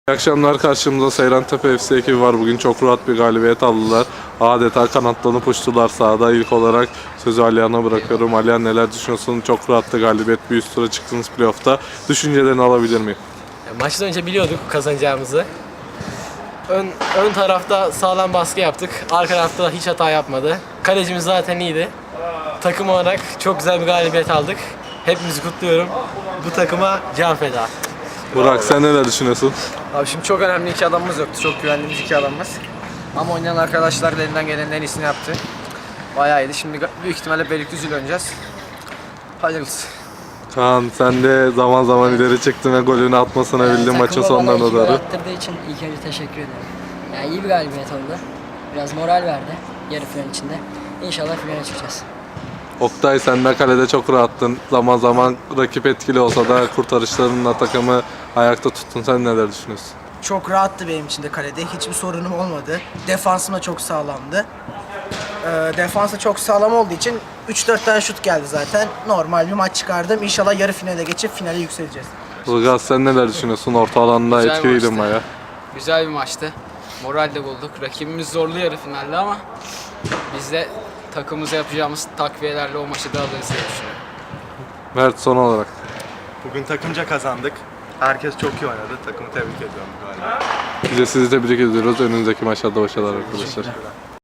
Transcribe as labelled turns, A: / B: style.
A: İyi akşamlar, karşımızda Seyrantepe FC ekibi var. Bugün çok rahat bir galibiyet aldılar. Adeta kanatlanıp uçtular sahada. İlk olarak sözü Alihan'a bırakıyorum. Alihan, neler düşünüyorsun? Çok rahattı galibiyet. Bir üst tura çıktınız playoff'ta. Düşüncelerini alabilir miyim?
B: Maçtan önce biliyorduk kazanacağımızı. Ön tarafta sağlam baskı yaptık. Arka tarafta hiç hata yapmadı. Kalecimiz zaten iyiydi. Takım olarak çok güzel bir galibiyet aldık. Hepimizi kutluyorum. Bu takıma can feda.
A: Burak, sen neler düşünüyorsun?
C: Abi şimdi çok önemli iki adamımız yoktu. Çok güvendiğimiz iki adamımız. Ama oynayan arkadaşlar da elinden gelenin en iyisini yaptı. Bayağı iyiydi. Şimdi büyük ihtimalle Beylikdüzü'yle oynayacağız. Hayırlısı.
A: Kaan, sen de zaman zaman ileri çıktın ve golünü atmasına bildin maçın sonlarına
D: Takıma bana
A: doğru.
D: iki gol attırdığı için ilk önce teşekkür ederim. Yani iyi bir galibiyet oldu. Biraz moral verdi yarı final içinde. İnşallah finale çıkacağız.
A: Oktay, sen de kalede çok rahattın. Zaman zaman rakip etkili olsa da kurtarışlarınla takımı ayakta tuttun. Sen neler düşünüyorsun?
E: Çok rahattı benim için de kalede. Hiçbir sorunum olmadı. Defansım da çok sağlamdı. Defans da çok sağlam olduğu için 3-4 tane şut geldi zaten. Normal bir maç çıkardım. İnşallah yarı finale geçip finale yükseleceğiz.
A: Ilgaz, sen neler düşünüyorsun? Orta alanda
F: Güzel
A: etkiliydin
F: maçtı.
A: bayağı.
F: Güzel bir maçtı. Moral de bulduk. Rakibimiz zorlu yarı finalde ama biz de takımımıza yapacağımız takviyelerle o maçı da alırız diye düşünüyorum.
A: Mert, son olarak.
G: Bugün takımca kazandık. Herkes çok iyi oynadı. Takımı tebrik ediyorum galiba.
A: Biz de sizi tebrik ediyoruz. Önümüzdeki maçlarda başarılar arkadaşlar.